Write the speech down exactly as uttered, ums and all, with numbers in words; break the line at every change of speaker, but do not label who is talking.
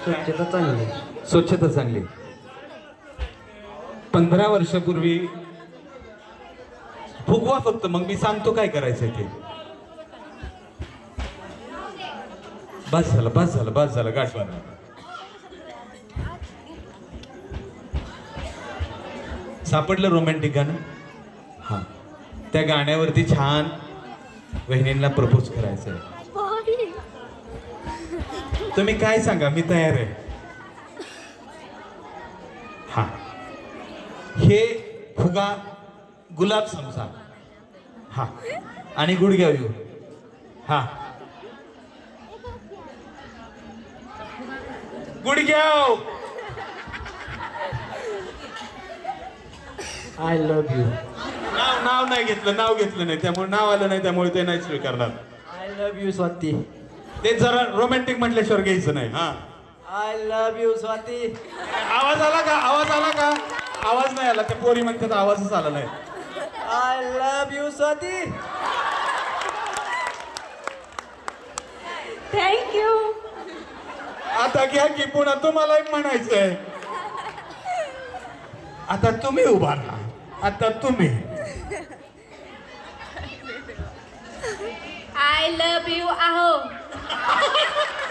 स्वच्छता चांगली.
स्वच्छता चांगली. पंधरा वर्षापूर्वी फुगवा फक्त, मग मी सांगतो काय करायचं ते. बस झालं बस झालं बस झालं गाठवा. सापडलं रोमॅन्टिक गाणं. हा, त्या गाण्यावरती छान वहिनींना प्रपोज करायचंय. तुम्ही काय सांगा, मी तयार आहे. हा, हे फुगा गुलाब समजा. हा, आणि गुडघ्या येऊ. हा, गुडघ्याव.
I love you.
नाव नाव नाही घेतलं, नाव घेतलं नाही, त्यामुळे नाव आलं नाही, त्यामुळे ते नाही स्वीकारणार.
I love you Swati.
ते जरा रोमॅन्टिक म्हटल्याशिवाय घ्यायचं नाही. हा,
आय लव्ह यू स्वाती.
आवाज आला का? आवाज आला का? आवाज नाही आला. त्या पोरी म्हणतात आवाजच आला नाही.
I love you Swati.
Thank you.
आता घ्या की, पुन्हा तुम्हाला म्हणायचंय. आता तुम्ही उभा राहा. आता तुम्ही.
आय लव्ह यू आहो.